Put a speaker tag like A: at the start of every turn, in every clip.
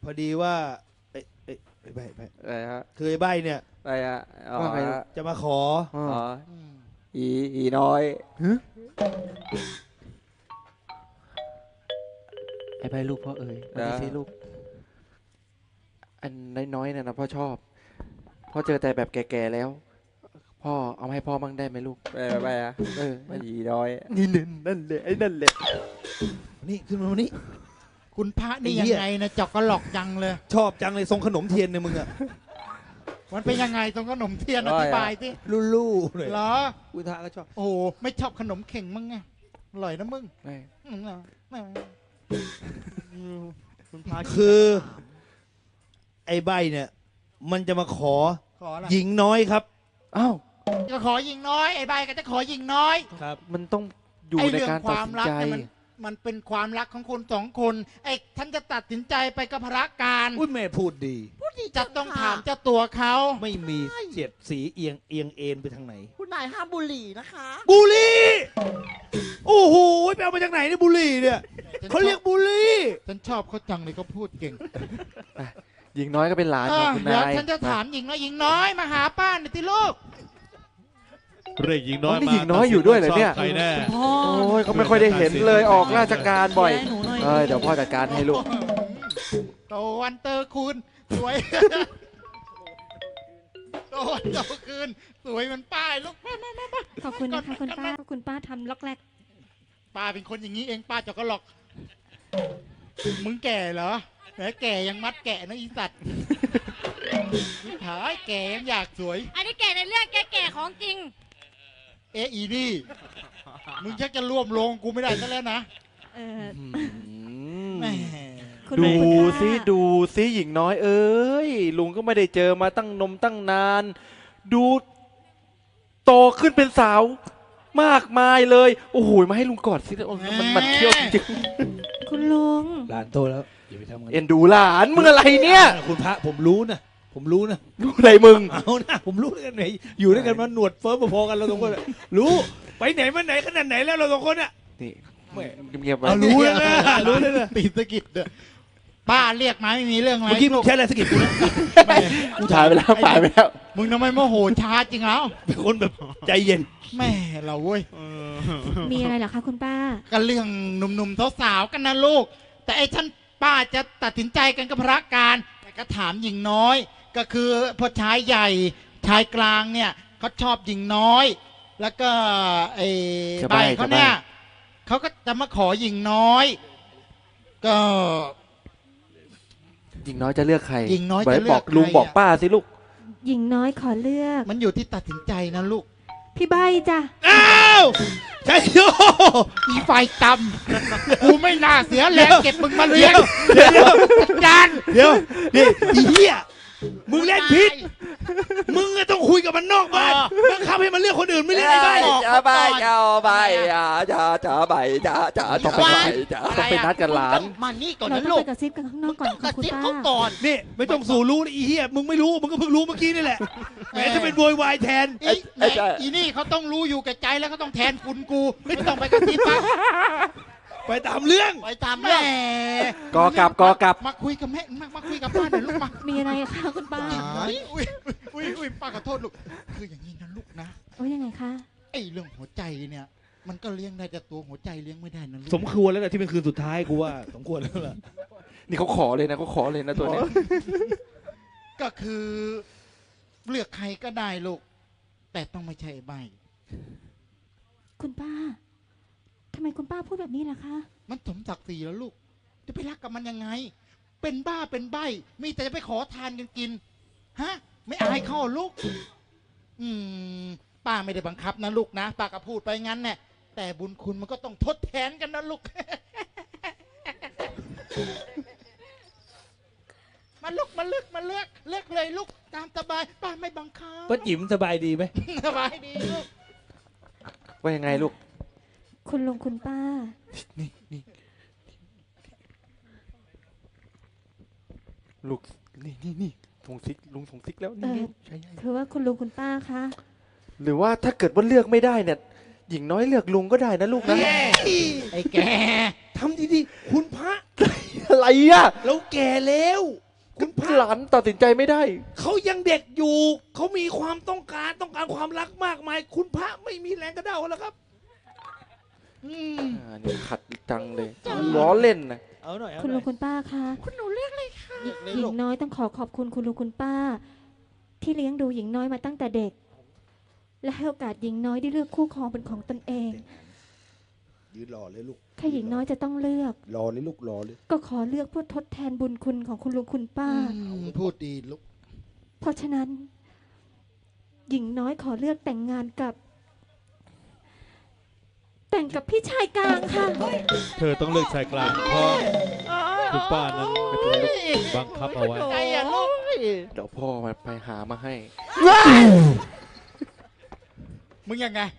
A: อดีว่าไอ้ใบ
B: อะไรฮะ
A: คือไอ้ใบเนี่ย
B: อะไรฮะ
C: ว่าไง
A: จะมาขอ
B: อ๋ออีน้อย
C: ไอ้ใบลูกพ่อเอ๋ยมาดิสิลูก อันน้อยๆเนี่ยนะพ่อชอบ พ่อเจอแต่แบบแก่ๆแล้ว พ่อเอามาให้พ่อบ้างได้ไหมลูก
B: ไปอะ
C: เออ
B: อีน้อย
C: นี่นั่นเลยไอ้นั่นแหละ
A: นี่ขึ้นมาวันนี้
D: คุณพระนี่
A: ไอ้
D: ยั
A: เหี้ย
D: งไงนะจอกกระหลอกจังเลย
A: ชอบจังเลยทรงขนมเทียนเนี่ยมึงอะ
D: มันเป็นยังไงตรงขนมเทียนอธิบายสิ
A: ลู่ๆเลย
D: เหรอ
A: อุทาก็ชอบ
D: โอ้โหไม่ชอบขนมเข่งมึงไงอร่อยนะมึง
C: ไม่
D: อืมคุณพระ
A: คือไอ้ใบเนี่ย มันจะมาขอ
D: ขออะไร
A: หญิงน้อยครับ
C: อ้าว
D: จะขอยิงน้อยไอ้ใบก็จะขอยิงน้อย
A: ครับ
C: มันต้องอยู่
D: ไอ้
C: ใน
D: เรื่อง
C: การ
D: ค
C: ตัด
D: วาม
C: สิน
D: รัก
C: ใจ
D: เนี่ยมันเป็นความรักของคนสองคนไอ้ท่านจะตัดสินใจไปกับพระการ
A: อุ้ยแม่พูดดี
D: จะต้องถามเจ้าตัวเขา
A: ไม่มีเสียดสีเอียงเอ็นไปทางไหน
E: คุณนายห้ามบุหรี่นะคะ
A: บุหรี่โอ้โหไปเอามาจากไหนเนี่ยบุหรี่เนี่ยเขาเรียกบุหรี่
D: ฉันชอบเขาจังเลยเขาพูดเก่ง
C: หญิงน้อยก็เป็นหลานของคุณ
D: เดี๋ยวน
C: าย
D: ฉันจะถามหญิงน้อยหญิงน้อยมาหาป้าหน่อยที่ลูก
F: เรียกหญิงน้อย
C: นี่
F: มา
C: หญิงน้อยอยู่ด้วยเหรอเนี่ย
F: ใครแน่
E: พ่อ
C: โอ้ยเขาไม่ค่อยได้เห็นเลยออกราชการบ่อย
E: ดูแลหนูหน่อย
C: เอ้ยเดี๋ยวพ่อจัดการให้ลูก
D: โตวันเตอร์คูณสวย โตวันเตอร์คืนสวยเหมันป้ายลูกมา
G: ขอบคุณนะคะคุณป้าคุณป้าทำล็อกแรก
D: ป้าเป็นคนอย่างนี้เองป้าจะก็หลอก มึงแก่เหรอแหมแก่ยังมัดแก่นะอีสัตว์หายแก่ยังอยากสวย
G: อันนี้แก่ในเรื่องแก่ของจริง
D: เอะอีนี่ มึงชักจะร่วมลงกูไม่ได้ซะแล้วนะ
G: เออ
D: แหม
G: คุณ
C: ดู
G: คุณป้า
C: ซิดูซิหญิงน้อยเอ้ยลุงก็ไม่ได้เจอมาตั้งนาน ดูโตขึ้นเป็นสาว มากมายเลยโอ้โหมาให้ลุงกอดสิโอ้ยมันเที่ยวจริง
G: คุณลุง
A: หลานโตแล้วอย่าไปทำกัน
C: ๆเอ็นดูหลานมึงอะไรเนี่ย
A: คุณพระผมรู้นะ
C: ดูอะไรมึง
A: เอานะผมรู้ด้วยกันไหนอยู่ด้วยกันมาหนวดเฟิร์มพอๆกันเราสองคนอะรู้ไปไหนมาไหนขนาดไหนแล้วเราสองคนอ่ะ
C: นี่
A: แม่
C: เงียบๆไว้
A: เอารู้แล้วนะรู้แล้วนะ
D: ตีสะกิดเด้อป้าเรียกมาไม่มีเรื่องอะไร
A: เมื่อกี้มึงใช้อะไรสะกิดกูนะ
D: แหม
C: ถ่ายไปแล้วถ่ายไปแล้ว
D: มึงทำไมโมโหช้าจริงแล้ว
A: เป็นคนแบบใจเย็น
D: แม่เราเว้ย
G: มีอะไรเหรอคะคุณป้า
D: กันเรื่องหนุ่มๆสาวๆกันนะลูก แต่ไอ้ท่านป้าจะตัดสินใจกันกับพระการแต่ก็ถามหญิงน้อย ก็คือพอชายใหญ่ชายกลางเนี่ยเขาชอบหญิงน้อย แล้วก็ไอ้
C: จะ
D: ใบ
C: ใบ้
D: เขาเนี่ยเขาก็จะมาขอหญิงน้อย ก็
C: หญิงน้อยจะเลือกใคร
D: หญิงน้อยจะเลือก
C: บอกลุง
D: ใคร
C: บอกป้าสิลูก
G: หญิงน้อยขอเลือก
D: มันอยู่ที่ตัดสินใจนะลูก
G: พี่ใบจ้ะ
A: อ้าวใช่โย
D: อีไฟตำกูไม่น่าเสียแรงเก็บมึงมาเลี้ยง
A: เดี๋ยว
D: จัดการ
A: เดี๋ยวนี่อีเหี้ยมึงเล่นพิษมึงอะต้องคุยกับมันนอกบ้านบังคับให้มันเลือกคนอื่นไม่เลือกไอ้บ้าน
B: จะไปจะไปจะไปจะต้องไปจะ
C: ต้องไปนัดกับหลาน
E: มานี่ก่อน
G: เรา
E: นะ
G: ต้อง
E: ลู
G: ไป
E: ก
G: กระซิบกันข้างน
E: มึ
G: อก
E: ง
G: ก่อน
E: ต้องก
G: ค่ะ
E: ระ
G: คุณ
E: ซิบ
G: ป้า
E: เขาก่อน
A: นี่ไม่ต้องสู่รู้นะอีเหี้ยมึงไม่รู้มึงก็เพิ่งรู้เมื่อกี้นี่แหละแหมจะเป็นโวยวายแทน
D: อีนี่เขาต้องรู้อยู่แก่ใจแล้วเขาต้องแทนคุณกูไม่ต้องไปกระซิบปะ
A: ไปตามเรื่อง
E: ไปตาม
D: แหม่
E: เรื่อง
C: กอกลับ
D: มาคุยกับแม่มาคุยกับป้าหน่อยลูกมา
G: มีอะไรคะคุณป้า
D: อุ้ยป้าขอโทษลูกคืออย่างนี้นะลูกนะ
G: โอ้ยยังไงคะ
D: ไอ้เรื่องหัวใจเนี่ย มันก็เลี้ยงได้แต่ตัวหัวใจเลี้ยงไม่ได้นะลูก
A: สมควรแล้วแหละที่เป็นคืนสุดท้ายกูว่าสมควรแล้วล่ะ
C: นี่เขาขอเลยนะเขาขอเลยนะตัวเนี้ย
D: ก็คือเลือกใครก็ได้ลูก แต่ต้องไม่ใช่ใบ
G: คุณป้าทำไมคุณป้าพูดแบบนี้ล่ะคะ
D: มันสมศักดิ์ศรีแล้วลูก จะไปรักกับมันยังไง เป็นบ้าเป็นใบ มีแต่จะไปขอทานกันกิน ฮะ ไม่อายเข้าลูก ป้าไม่ได้บังคับนะลูกนะ ป้าก็พูดไปงั้นแน่แต่บุญคุณมันก็ต้องทดแทนกันนะลูก มาลูกมาเลือกเลือกเลยลูกตามสบาย ป้าไม่บังคับ
A: ป้าจิ๋มสบายดีไหม
D: สบายดีลูก
C: ว่ายังไงลูก
G: คุณลุงคุณป้า
C: นี่ลูกนี่ส่งซิกลุงส่งซิกแล้วนี่ใช่
G: คือว่าคุณลุงคุณป้าคะ
C: หรือว่าถ้าเกิดว่าเลือกไม่ได้เนี่ยหญิงน้อยเลือกลุงก็ได้นะลูกนะ
D: ไอ้แก
A: ทำดีๆคุณพระ
C: อะไรอะ
A: แล้วแก่แล้วคุณพระ
C: หลานตัดสินใจไม่ได้
A: เขายังเด็กอยู่ เขามีความต้องการความรักมากมาย คุณพระไม่มีแรงกระเด้าแล้วครับ
C: นี่ขัดจังเลยล้อเล่นนะ
A: เอาหน่อยเอา
G: คุณ
A: ห
G: ลุ
A: น่
G: ง
A: อย
G: คุณป้าคะ
D: คุณหนูเรียกอะไรคะ
G: หญิงน้อยต้องขอบคุณคุณลุงคุณป้า ที่เลี้ยงดูหญิงน้อยมาตั้งแต่เด็ก และให้โอกาสหญิงน้อยได้เลือกคู่ครองเป็นของตนเอง
A: ยืนรอเลยลูก
G: ถ้าหญิงน้อยจะต้องเลือก
A: รอเลยลูกรอเลย
G: ก็ขอเลือกเพื่อทดแทนบุญคุณของคุณลุงคุณป้า
D: พูดดีลูก
G: เพราะฉะนั้น หญิงน้อยขอเลือกแต่งงานกับ แต่งกับพี่ชายกลางค่ะ
F: เธอต้องเลือกชายกลางเพราะคุณป้านั้นบังคับเอาไว้
D: ใจอ่ะลูก
C: เดี๋ยวพ่อมาไปหามาให้
D: มึงยังไง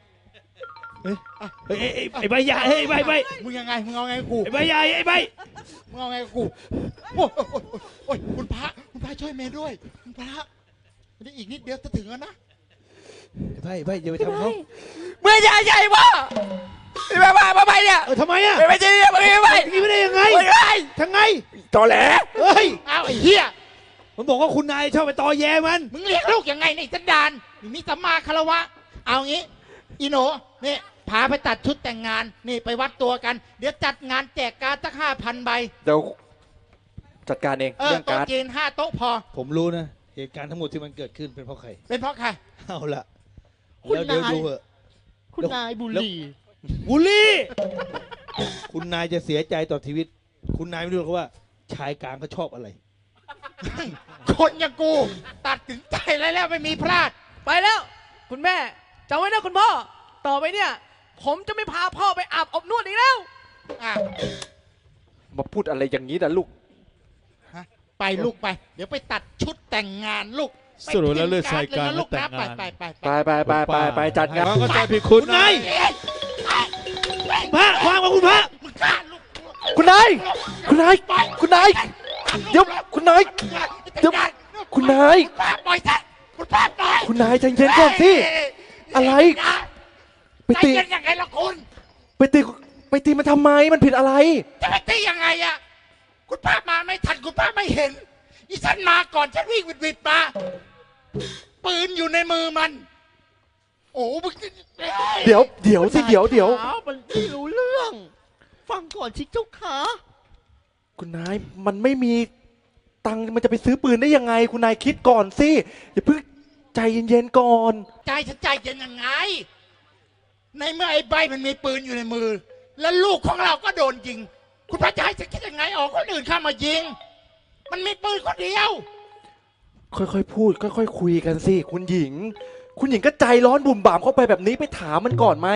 A: ไอ้ใบใหญ่ไอ้ใบใบ
D: มึงยังไงมึงเอาไงกับกู
A: ไอ้ใบใหญ่ไอ้ใบ
D: มึงเอาไงกับกูโอ้ยโอ้ยคุณพระช่วยเมย์ด้วยคุณพระนี่อีกนิดเดียวจะถึงแล้วนะ
A: ไอ้ใบอย่าไปทำเขา
B: เมื่อใหญ่วะมาไปเนี่ย
A: ทำไมอ่ะ
B: ไม่ใช่เนี่ยไม่
A: นี่ไม่ได้ยังไง
B: ไม่
A: ทั้งไง
B: ตอแหล
A: เฮ้ย
D: เอาไอ้เหี้ย
A: มันบอกว่าคุณนายชอบไปตอแยมัน
D: มึงเรียกลูกยังไงในสันดานมีสัมมาคารวะ เอางี้ อีโหนนี่พาไปตัดชุดแต่งงาน นี่ไปวัดตัวกัน เดี๋ยวจัดงานแจกการ์ดสัก5,000 ใบ
C: เดี๋ยวจัดการเอง
D: เออ
C: เรื่อง
D: โต๊ะ
C: การ์ด
D: จีน5 โต๊ะพอ
A: ผมรู้นะ เหตุการณ์ทั้งหมดที่มันเกิดขึ้นเป็นเพราะใคร
D: เป็นเพราะใคร
A: เอาละ
D: คุณ
A: แล้วเดี๋ยวน
D: าย
A: ดูเหอะ
D: คุณนายบุรี
A: บุลี่ คุณนายจะเสียใจต่อชีวิต คุณนายไม่รู้หรอกว่า ชายกลางเขาชอบอะไร
D: คนอย่างกู ตัดสินใจแล้วไม่มีพลาด
E: ไปแล้ว คุณแม่จำไว้นะคุณพ่อ ต่อไปเนี่ย ผมจะไม่พาพ่อไปอาบอบนวดอีกแล้ว
D: อ่ะ
C: มาพูดอะไรอย่างนี้นะลูก
D: ไปลูกไป เดี๋ยวไปตัดชุดแต่งงานลูก
F: สรุปแล้วเลือกชายกลาง
D: ลูก
F: และแต่
D: นะ
F: งงาน
D: ไป
C: ไปจัดงาน
F: ก็ใจผิดคุณ
A: คุณนายพระวางมาคุณพระ
D: มึงกล้าลูก
C: คุณนายคุณนายคุณนายเดี๋ยวคุณนายเดี๋ยวคุณนาย
D: คุณป้าปล่อยซะคุณป้าปล่อย
C: คุณนายใจเย็นก่อนสิ อะไร ไป
D: ใจ
C: ตี
D: เย็นยังไงล่ะคุณ
C: ไปตีมันทำไมมันผิดอะไร
D: จะไปตียังไงอะคุณป้ามาไม่ทันคุณป้าไม่เห็นอีฉันมาก่อนฉันวิ่งวิดมาปืนอยู่ในมือมัน โอ้มึง
C: เดี๋ยวสิเดี๋ยว
E: มันไม่รู้เรื่อง ฟังก่อนชิเจ้าขา
C: คุณนายมันไม่มีตังค์มันจะไปซื้อปืนได้ยังไง คุณนายคิดก่อนสิอย่าเพิ่งใจเย็นๆก่อน
D: ใจฉันใจเย็นยังไง ในเมื่อไอ้ใบมันมีปืนอยู่ในมือ แล้วลูกของเราก็โดนยิง คุณพระจะให้ฉันคิดยังไงออกคนอื่นเข้ามายิง มันมีปืนคนเดียว
C: ค่อยๆพูดค่อยๆคุยกันสิคุณหญิง คุณหญิงก็ใจร้อนบุ่มบ่ามเข้าไปแบบนี้ไปถามมันก่อนไหม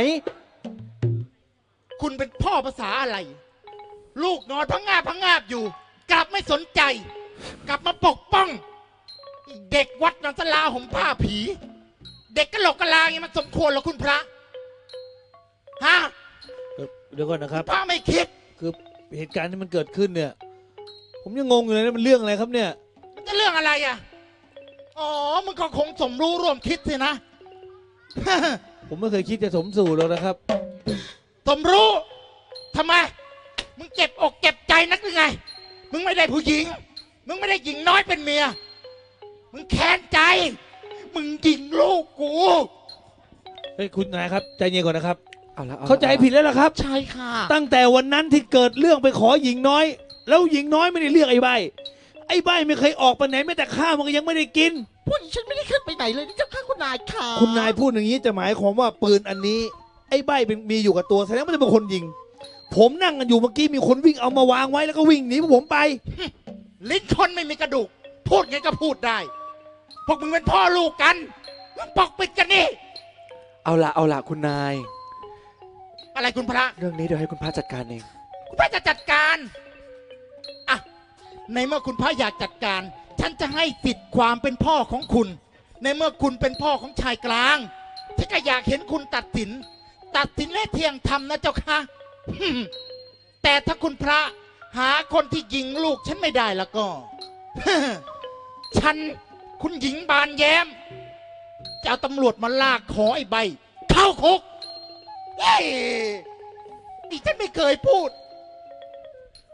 D: คุณเป็นพ่อภาษาอะไร ลูกนอนพังงาบอยู่ กลับไม่สนใจ กลับมาปกป้อง เด็กวัดนันสลาห่มผ้าผี เด็กกะโหลกกะลาอย่างนี้มันสมควรเหรอคุณพระฮะ
A: เดี๋ยวก่อนนะครับ
D: พระไม่คิด
A: คือเหตุการณ์ที่มันเกิดขึ้นเนี่ย ผมยังงงอยู่เลยนะมันเรื่องอะไรครับเนี่ย
D: มันจะเรื่องอะไรอ่ะอ๋อมึงก็คงสมรู้ร่วมคิดสินะ
A: ผมไม่เคยคิดจะสมสู่หรอกนะครับ
D: สมรู้ทำไม มึงเจ็บอกเจ็บใจนักหรือไง มึงไม่ได้ผู้หญิง มึงไม่ได้หญิงน้อยเป็นเมีย มึงแค้นใจ มึงยิงลูกกู
A: เฮ้ยคุณนายครับใจเย็นก่อนนะครับ
C: เอาละ
A: เข้าใจผิดแล้วล่ะครับ
D: ใช่ค่ะ
A: ตั้งแต่วันนั้นที่เกิดเรื่องไปขอหญิงน้อย แล้วหญิงน้อยไม่ได้เรียกไอ้ใบไม่เคยออกไปไหนแม้แต่ข้าวมันก็ยังไม่ได้กิน
E: พวกฉันไม่ได้ขึ้นไปไหนเลยนี่เจ้าข้าคุณนายค่ะ
A: คุณนายพูดอย่างนี้จะหมายความว่าปืนอันนี้ ไอ้ใบเป็นมีอยู่กับตัวแสดงว่าจะเป็นคนยิง ผมนั่งกันอยู่เมื่อกี้มีคนวิ่งเอามาวางไว้แล้วก็วิ่งหนีพวกผมไป
D: ลิ้นคนไม่มีกระดูก พูดไงก็พูดได้ พวกมึงเป็นพ่อลูกกันมึงปกปิดกันนี่
C: เอาละคุณนาย
D: อะไรคุณพระ
C: เรื่องนี้เดี๋ยวให้คุณพระจัดการเอง
D: คุณพระจะจัดการอ่ะในเมื่อคุณพระอยากจัดการ ฉันจะให้สิทธิ์ความเป็นพ่อของคุณ ในเมื่อคุณเป็นพ่อของชายกลางฉันก็อยากเห็นคุณตัดสินและเที่ยงธรรมนะเจ้าค่ะ แต่ถ้าคุณพระหาคนที่ยิงลูกฉันไม่ได้แล้วก็ ฉันคุณหญิงบานแย้มจะเอาตำรวจมาลากขอไอ้ใบ เข้าคุกเฮ้ยนี่ฉันไม่เคยพูด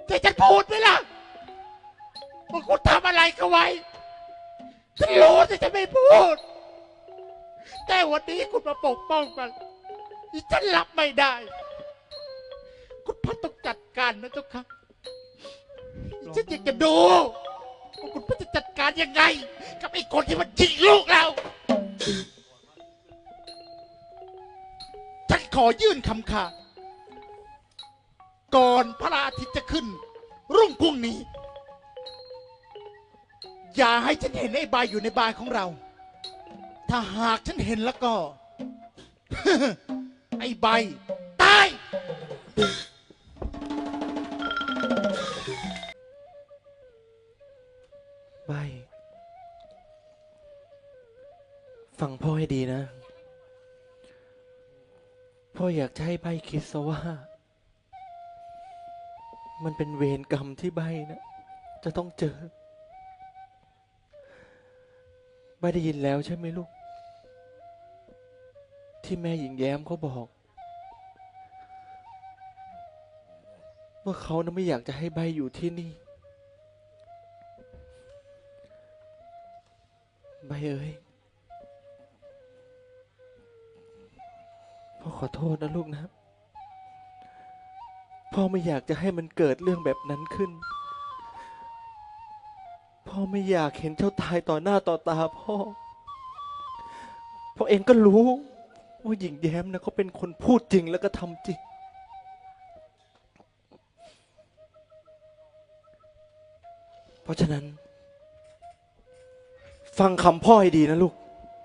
D: จะฉันพูดไหมล่ะว่าคุณทำอะไรกันไว้ฉันรู้แต่ฉันไม่พูด แต่วันนี้คุณมาปกป้องมันฉันรับไม่ได้ คุณพ่อต้องจัดการนะเจ้าค่ะฉันอยากจะดูว่าคุณพ่อจะจัดการยังไง กับไอ้คนที่มันยิงลูกเรา ฉันขอยื่นคำขาดก่อนพระอาทิตย์จะขึ้น รุ่งพรุ่งนี้ อย่าให้ฉันเห็นไอ้ใบอยู่ในบ้านของเรา ถ้าหากฉันเห็นแล้วก็ ไอ้ใบตาย
C: ใบฟังพ่อให้ดีนะ พ่ออยากจะให้ใบคิดซะว่า มันเป็นเวรกรรมที่ใบนะจะต้องเจอใบได้ยินแล้วใช่ไหมลูก ที่แม่หญิงแย้มเขาบอก ว่าเขานะไม่อยากจะให้ใบอยู่ที่นี่ใบเอ้ยพ่อขอโทษนะลูกนะพ่อไม่อยากจะให้มันเกิดเรื่องแบบนั้นขึ้นพ่อไม่อยากเห็นเจ้าตายต่อหน้าต่อตาพ่อเองก็รู้ว่าหญิงแย้มนะเขาเป็นคนพูดจริงแล้วก็ทำจริงเพราะฉะนั้นฟังคำพ่อให้ดีนะลูก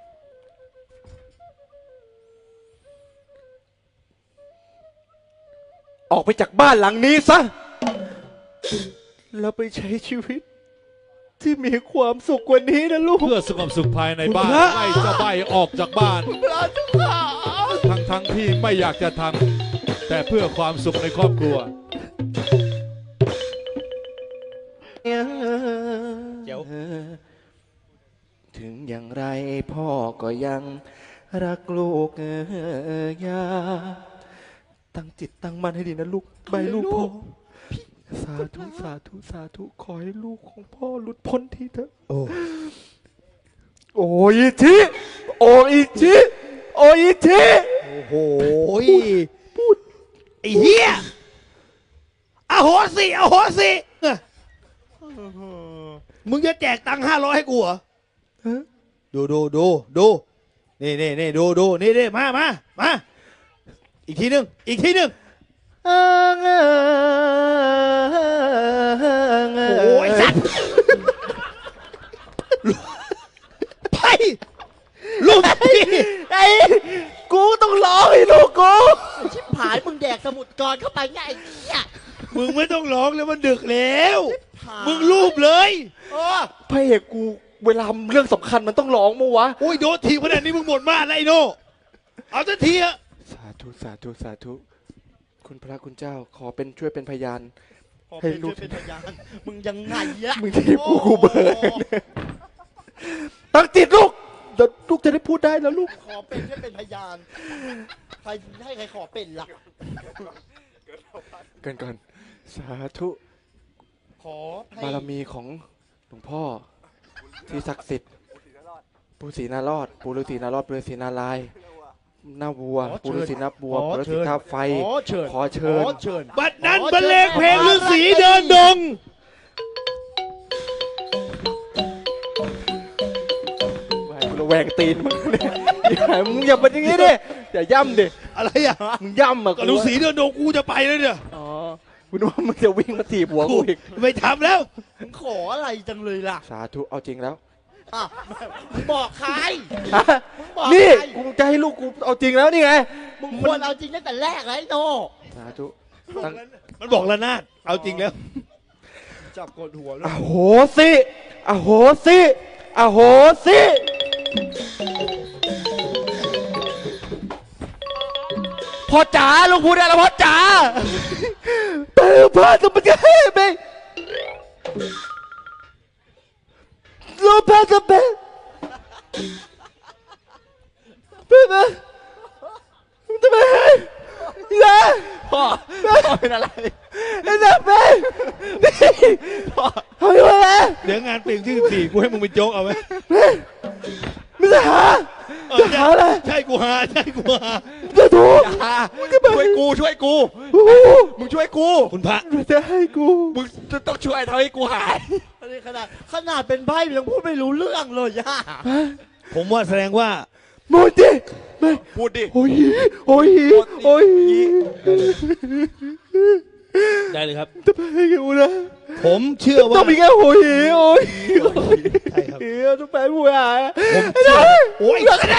C: ออกไปจากบ้านหลังนี้ซะแล้วไปใช้ชีวิตที่มีความสุขกว่านี้นะลูก
F: เพื่อสงบสุขภายในบ้านไล่เจ้าใบออกจากบ้านทั้งที่ไม่อยากจะทำแต่เพื่อความสุขในครอบครัว
C: ถึงอย่างไรพ่อก็ยังรักลูกยาตั้งจิตตั้งมั่นให้ดีนะลูกใบลูกพ่อสาธุสาธุสาธุขอให้ลูกของพ่อหลุดพ้นทีเถอะโอ้อิชิโอ้อิชิโอ้อิชิ
A: โอ้โหพูดไอ้เหี้ยอโหสิอโหสิมึงจะแจกตังค์500ให้กูเหรอดูนี่ดูนี่มาอีกทีหนึ่งโอ้ยสัตว์ไปลูกพี่
C: ไอ้กูต้องร้องให้ลูกกู
H: ชิบหายมึงแดกสมุดกรเข้าไปไงไอ้เนี่ย
A: มึงไม่ต้องร้องแล้วมันดึกแล้วมึงรูปเลย
C: พระเอกกูเวลาเรื่องสำคัญมันต้องร้องมั้งวะ
A: โอ้ยโดนทีขนาดนี้มึงหมดมากแล้วไอ้โน่เอาสักทีอะ
C: สาธุคุณพระคุณเจ้าขอเป็นช่วยเป็นพยานให้ลูก
H: เป็นพยานมึงยังไงอะ
C: มึงทีบกูเบิร์ตั้งจิตลูกเดี๋ยวลูกจะได้พูดได้แล้วลูก
H: ขอเป็นช่วยเป็นพยานใครให้ใครขอเป็นล่ะ
C: ก่อนสาธุบารมีของหลวงพ่อที่ศักดิ์สิทธิ์ปู่ศรีนารอดปู่ฤาษีนารอดปู่ฤาษีนารายณ์หน้าวัวปู่ฤาษีหน้าวัวปู่ฤาษีท่าไฟขอเชิญ
A: บัดนั้นบรรเลงเพลงฤาษีเดินดง
C: ระแวงตีนมึงเนี่ยมึงอย่าเป็นอย่างนี้ดิอย่าย่ำดิ
A: อะไรอ่ะ
C: มึงย่ำอ่ะ
A: ฤาษีเดินดงกูจะไปเลยเนี่ย
C: อ๋อคุณว่ามึงจะวิ่งมาถีบหัวกูอีก
A: ไม่ทำแล้ว
H: มึงขออะไรจังเลยล่ะ
C: สาธุเอาจริงแล้ว
H: มึงบอกใคร
C: นี่กูจะให้ลูกกูเอาจริงแล้วนี่ไง
H: มึงควรเอาจริงตั้งแต่แรกเลยโน
C: สาธุ
A: มันบอกละนาดเอาจริงแล้วจับกดหัว
C: อโหสิอโหสิอโหสิพ่อจ๋าลูกพูดได้แล้วพ่อจ๋าเปิดผ้าสมบัติให้ไหมลูกผ้าสมบัติเปิดมาทำไมล่ะพ่อเป็นอะไรนะแม่เฮ้ยอะไร
A: เดี๋ยวงานเปลี่ยนที่14กูให้มึงเป็นโจ๊กเอาไหม
C: ไม่จะหาจะหาอะไร
A: ใช่กูหาใช่กูหา
C: จะถูก
B: อย่าช่วยกูมึงช่วยกู
A: คุณพระ
C: จะให้กู
B: มึงต้องช่วยทำให้กูหาย
H: อันนี้ขนาดเป็นใบ้ยังพูดไม่รู้เรื่องเลยย่า
A: ผมว่าแสดงว่า
C: โมจิไม่
B: พูดดิ
C: โอ้ยโอ้ยโอ้ย
A: ได้เลยครับ
C: จะไปให้กูนะ
A: ผมเชื่อว่า
C: ต้องมีแค่โอ้ยโอ้ย
A: ใช่ครับ
C: เฮ้ยต้องไปผู้หา
A: ผมเชื่อโอ้ยเลิกกันได้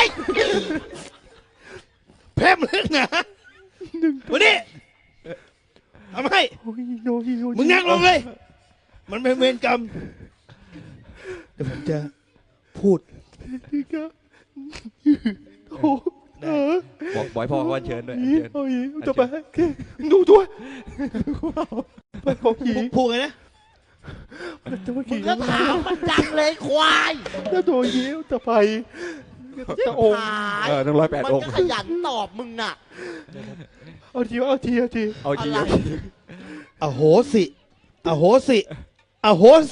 A: แพร่มเลิกนะวันนี้ทำไม
C: โอ้ยโอ้ยโอ้ย
A: มึงนั่งลงเลย มันเป็นเวรกรรมเดี๋ยวผมจะพูด
C: โอ้ย
B: บอกบอยพ่อเขาเชิญด้วยเชิญ
C: โอ้ยจะไปดูด้วยไปของผี
A: พูดไงนะ
C: จะมา
H: มึ
C: ขี่
H: งก็ถามมันจังเลยควาย
C: จะโดนยิ้วจะไปจะอง
H: หาย
B: ต้อง108
H: มัน
B: องค์
H: ก็ขยันตอบมึงน่ะ
C: เอาทีเอาทีเอาที
B: เอาจริง
H: อะไร
A: อโหสิอโหสิอโหสิ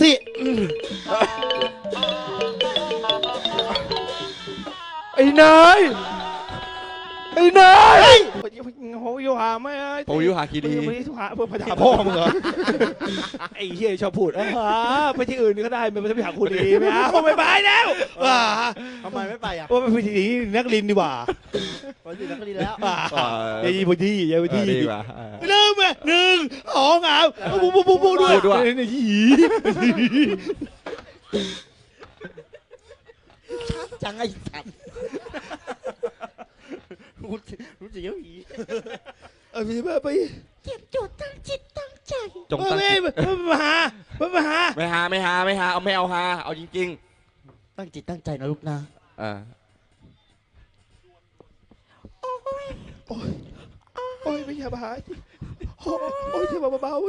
C: ไอ้นายไอ้นายโหยหาไม่
B: โอ้ยหาคีดี
C: ไม่ได้หาเพื่อพ
A: หาพ่อมึงเหรอไอ้เหี้ยชอบพูดไปที่อื่นก็ได้ไม่ไปหาคุณดีไม่เอาไม่ไปแล้วว่า
H: ทำไมไม่ไปอ่ะ
A: ว่าไปที่นักลินดีกว่า
H: วันนี้นักก็ดีแล้ว
A: อย่าไปที่อย่าไปที่
B: ดีกว่า
A: เริ่มไหม1 2อ่ะปุ๊บด้วยนี่หี
H: ชัดจังไอ้สัตว์รู้สึกว่าผี
A: พี่ไป
G: เก็บจุดตั้งจิตตั้งใจ
B: จงตั้งจิต
A: มาหา
B: ไม่หาเอาไม่เอาหาเอาจริง
H: ตั้งจิตตั้งใจนะลูกนะ
B: ๆ
A: โอ้ยไม่อย่ามาหาโอ้ยที่เบาๆ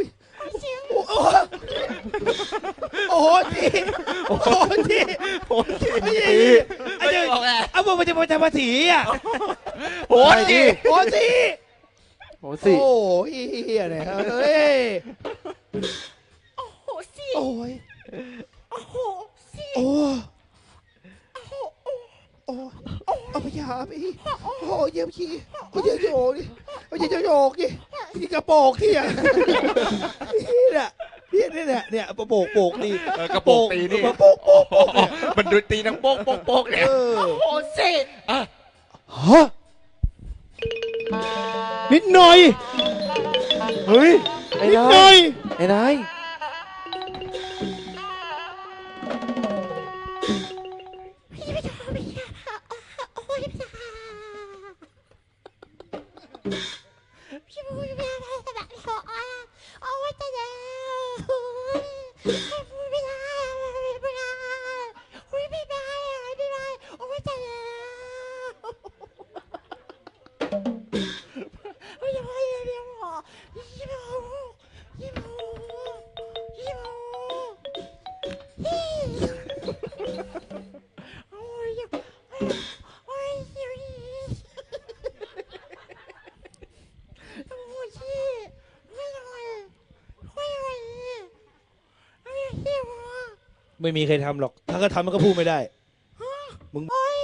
A: โอ้โหจีโอ้โหจีไอ้เจ้าเอาบอกมันจะมาภาษีอ่ะ
B: โอ้ย
A: โอ้จี
C: โหสิ
A: โอ้ยเฮียเนี่ยเฮ้ย
G: โอ้โหสิ
A: โอ้ย
G: โอ้โหสิ
A: โอ้โอ้เอาไปหาไปโอ้เยี่ยมขี้โอ้เยี่ยมโยกดิโอ้เยี่ยมโยกดินี่กระโปงที่อ่ะเนี่ยโปกนี่
B: กระโปรงตีนี่
A: โปก
B: มันดูตีนังโป๊กโป๊กโป๊กเนี่ย
G: โอ้สิ
A: ฮะนิดหน่อย
C: เฮ้ยไอ้
A: นิด
C: นา
A: หน่อย ย
C: ไอ้นาย
G: พี่ไม่ชอบพี่โอ้ยพี่พูดไม่ได้แต่แบบขอเอาไว้แต่แล้วพูดไม่ได้ไม่ได้พูดไม่ได้โอ้ยแต่แล้วโอ้ยยังไงเดี๋ยวยี่โ
A: ไม่มีใครทำหรอกถ้าก็ทำมันก็พูดไม่ได้มึง
G: โอ้ย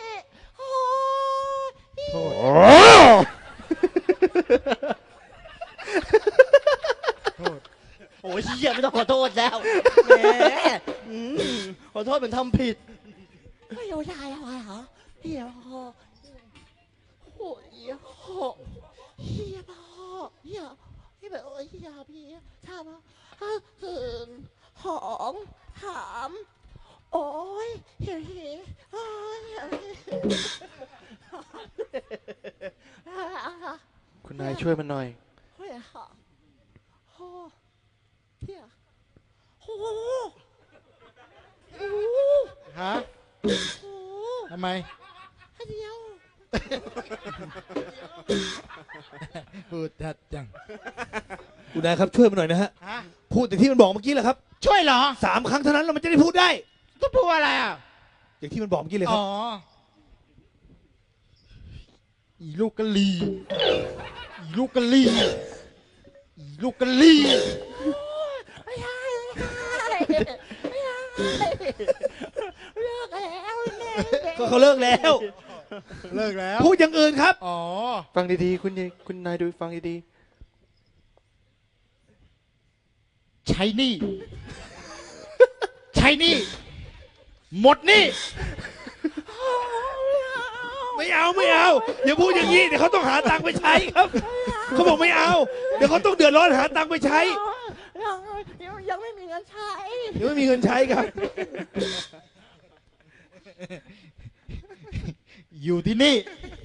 H: โอ้ยเหี้ยไม่ต้องขอโทษแล้วแหมขอโทษเหมือนทำผิด
G: ไม่รู้ได้อะไรเหรอเฮียพ่อโอ้ยเฮียพ่อเฮียพี่แบบโอ้ยเฮียพี่ทำหอมหามโอ้ยเฮียโอ้ย
C: คุณนายช่วยมันหน่อย
G: เฮียโอ้เฮียโอ้
D: ฮะทำไม
G: เดียว
D: พูดชัดจัง
A: คุณนายครับช่วยมันหน่อยนะฮะ
D: ฮะ
A: พูดแต่ที่มันบอกเมื่อกี้แหละครับ
D: ช่วยเหรอ
A: 3 ครั้งเท่านั้นเรามันจะได้พูดได้
D: ต้องพูดอะไรอ่ะ
A: อย่างที่มันบอกเมื่อกี้เลยครั
D: อ๋
A: บ
D: อ อีลูกกะลีอีลูกกะลีลูกกะลี่
G: ไม่ใช่ไม่ใช่เลิกแล้วแม่
A: ก็เขาเลิกแล้ว
D: เลิกแล้ว
A: พูดอย่างอื่นครับ
D: อ๋อ
C: ฟังดีๆ คุณนายดูฟังดี
D: ใช้หนี่ ใช้หนี่ หมดหนี่
A: ไม่เอาอย่าพูดอย่างนี้เดี๋ยวเขาต้องหาตังค์ไปใช้ครับเขาบอกไม่เอาเดี๋ยวเขาต้องเดือดร้อนหาตังค์ไปใช้
G: ยังไม่มีเงินใช้
A: เดี๋ยวไม่มีเงินใช้ครับ
D: อยู่ที่นี่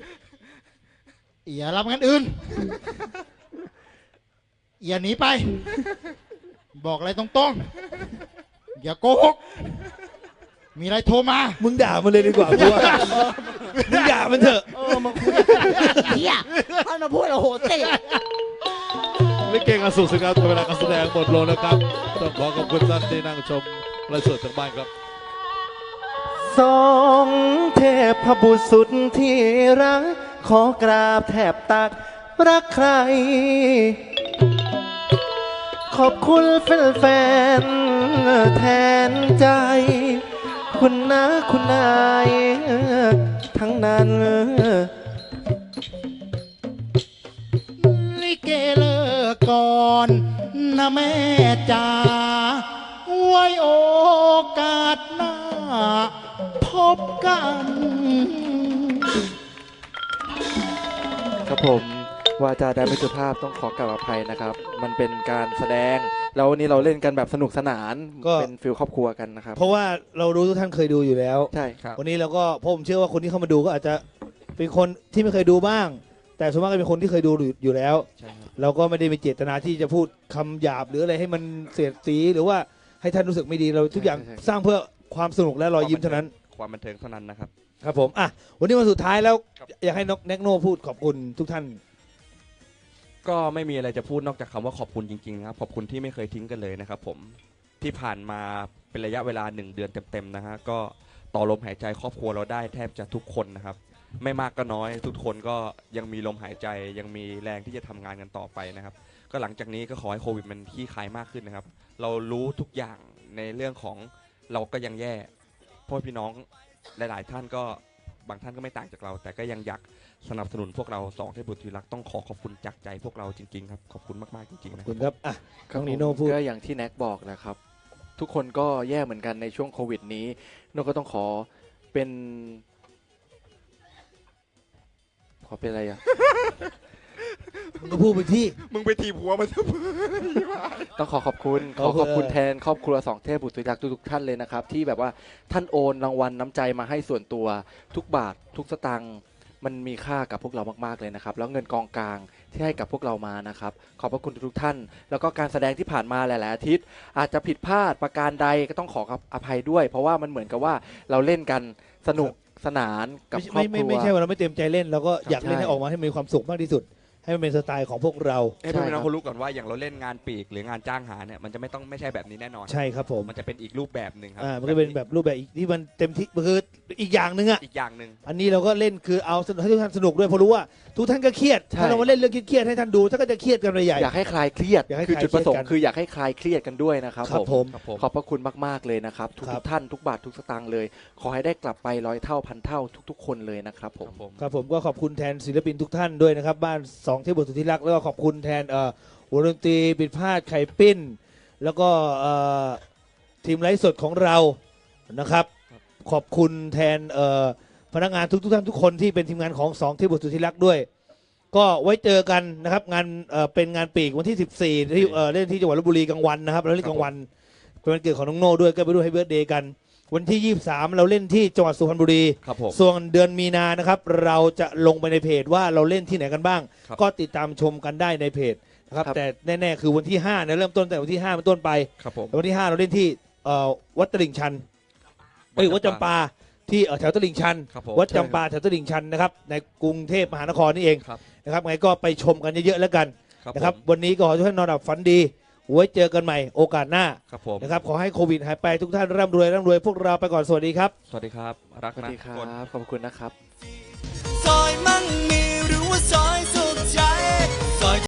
D: อย่ารับงานอื่น อย่าหนีไป บอกอะไรตรงๆ อย่าโกหก มีอะไรโทรมา
A: มึงด่ามันเลยดีกว่ากูว่ามึงด่ามันเถอะ
H: มาคุยเฮียท่านมาพูดโอ้โหเตะ
F: ลิเกงานสุขสงามเวลาการแสดงหมดลงนะครับต้องขอขอบคุณท่านที่นั่งชมไลฟ์สดจากบ้านครับ
C: ๆ สองเทพบุตรสุดที่รัก ขอกราบแทบตักรักใคร ขอบคุณแฟนๆแทนใจ คุณนะคุณนายทั้งนั้น
D: ลิเกเลิกก่อนนะแม่จ๋าไว้โอกาสหน้า พบกัน
C: ครับผมวาจาใดไม่สุภาพต้องขอกราบอภัยนะครับ มันเป็นการแสดงแล้ววันนี้เราเล่นกันแบบสนุกสนาน
A: ก็
C: เป็นฟิลครอบครัวกันนะครับ
A: เพราะว่าเรารู้ทุกท่านเคยดูอยู่แล้ว
C: ใช่
A: วันนี้เราก็ผมเชื่อว่าคนที่เข้ามาดูก็อาจจะเป็นคนที่ไม่เคยดูบ้าง แต่ส่วนมากก็เป็นคนที่เคยดูอยู่แล้ว เราก็ไม่ได้มีเจตนาที่จะพูดคำหยาบหรืออะไรให้มันเสียดสีหรือว่าให้ท่านรู้สึกไม่ดีเราทุกอย่างสร้างเพื่อความสนุกและรอยยิ้มเท่านั้น
B: ความบันเทิงเท่านั้นนะครับ
A: ครับผมอ่ะวันนี้วันสุดท้ายแล้วอยากให้นกแน็กโนพูดขอบคุณทุกท่าน
B: ก็ไม่มีอะไรจะพูดนอกจากคำว่าขอบคุณจริงๆนะครับขอบคุณที่ไม่เคยทิ้งกันเลยนะครับผมที่ผ่านมาเป็นระยะเวลา1 เดือนเต็มๆนะฮะก็ต่อลมหายใจครอบครัวเราได้แทบจะทุกคนนะครับไม่มากก็น้อยทุกคนก็ยังมีลมหายใจยังมีแรงที่จะทำงานกันต่อไปนะครับก็หลังจากนี้ก็ขอให้โควิดมันคลี่คลายมากขึ้นนะครับเรารู้ทุกอย่างในเรื่องของเราก็ยังแย่เพราะพี่น้องหลายๆท่านก็บางท่านก็ไม่ต่างจากเราแต่ก็ยังอยากสนับสนุนพวกเราสองเทพบุตรที่รักต้องขอบคุณจากใจพวกเราจริงๆครับขอบคุณมากๆจริงๆ
A: ข
B: นะ
A: อบคุณครับอ่ะ
C: ครับ
A: น้องนีโน่พูด
C: ก็อย่างที่แน็กบอกนะครับ ทุกคนก็แย่เหมือนกันในช่วงโควิดนี้โน่ก็ต้องขอเป็นอะไรอ่ะ
A: มึงก็พูดไปที่
B: มึงไปทีบหัวมัน
C: ต้องขอบคุณ
A: ขอบคุณ
C: ขอบคุณแทนครอบครัวสองเทพบุตรรักทุกท่านเลยนะครับ ที่แบบว่าท่านโอนรางวัลน้ำใจมาให้ส่วนตัวทุกบาททุกสตางค์มันมีค่ากับพวกเรามากๆเลยนะครับ แล้วเงินกองกลางที่ให้กับพวกเรามานะครับขอบพระคุณทุกท่าน แล้วก็การแสดงที่ผ่านมาหลายๆอาทิตย์อาจจะผิดพลาดประการใดก็ต้องขออภัยด้วย เพราะว่ามันเหมือนกับว่าเราเล่นกันสนุกสนานกับครอบครัว
A: ไม่ใช่ว่าเราไม่เต็มใจเล่นเราก็อยากเล่น
C: ใช่
A: ให้ออกมาให้มีความสุขมากที่สุด ให้มันเป็นสไตล์ของพวกเรา
B: ให้พี่น้องเขารู้ก่อนว่าอย่างเราเล่นงานปีกหรืองานจ้างหาเนี่ยมันจะไม่ใช่แบบนี้แน่นอน
A: ใช่ครับผม
B: มันจะเป็นอีกรูปแบบหนึ่งครั
A: มันก็เป็นแบบรูปแบบอีกที่มันเต็มที่คืออีกอย่างหนึ่งอ่ะ
B: อีกอย่างหนึ่ง
A: อันนี้เราก็เล่นคือเอาให้ทุกท่านสนุกด้วยเพราะรู้ว่าทุกท่านก็เครียด
C: ใช่
A: ถ้าเรามาเล่นเรื่องเครียดๆให้ท่านดูท่านก็จะเครียดกันไปใหญ่
C: อยากให้คลายเครียด
A: อยากให้
C: คือ
A: คลาย
C: จุดประสง
A: เครียดกั
C: ค์
A: น
C: คืออยากให้คลายเครียดกันด้วยนะครับ
A: ครับผม
B: ครับผม
C: ขอบพระคุณมากๆเลยนะครับ ทุ
A: ครั
C: ก
A: บ
C: ๆท่านทุกบาททุกสตางค์เลย ขอให้ได้กลับไป100 เท่าพันเท่าทุกๆ คนเลยนะครับผม
A: ครับผมก็ขอบคุณแทนศิลปินทุกท่านด้วยนะครับบ้าน2เทพบุตรสุดที่รักแล้วก็ขอบคุณแทนวงดนตรีปิดพาดไข่ปิ้น แล้วก็ทีมไลฟ์สดของเรานะครับ ขอบคุณแทนพนักงานทุกท่านทุกคนที่เป็นทีมงานของ2เทพบุตรสุดที่รักด้วย ก็ไว้เจอกันนะครับงานเป็นงานปีกวันที่ 14ที่เล่นที่จังหวัดลพบุรีกลางวันนะครับเราเล่นกลางวันเป็นวันเกิดของน้องโน่ด้วยก็ไปด้วยให้เบิร์ธเดย์กัน วันที่ 23 เราเล่นที่จังหวัดสุพรรณบุรี
B: ครับผม
A: ส่วนเดือนมีนานะครับเราจะลงไปในเพจว่าเราเล่นที่ไหนกันบ้าง
B: ครับ
A: ก็ติดตามชมกันได้ในเพจนะครับ
C: ครับ
A: แต่แน่ๆคือวันที่5เนี่ยเริ่มต้นแต่วันที่5เป็นต้นไป
B: ครับผม
A: วันที่ 5 เราเล่นที่วัดตลิ่งชันวัดจำปาที่แถวตลิ่งชัน
B: ครับผม
A: วัดจำปาแถวตลิ่งชันนะครับในกรุงเทพมหานครนี่เอง
B: ครับ
A: นะครับไงก็ไปชมกันเยอะๆแล้วกัน
B: ครับ
A: นะครับ
B: ผม
A: วันนี้ก็ขอให้ทุกท่านนอนหลับฝันดีไว้เจอกันใหม่โอกาสหน้า
B: ครับผม
A: นะครับขอให้โควิดหายไปทุกท่านร่ำรวยพวกเราไปก่อนสวัสดีครับ
B: สวัสดีครับรัก
C: สวัส
B: นะ
C: ดีค
B: ทุ
C: รั
B: กคน
C: บขอบคุณนะครับ
I: ซอยมั่งมีหรือว่าซอยสุ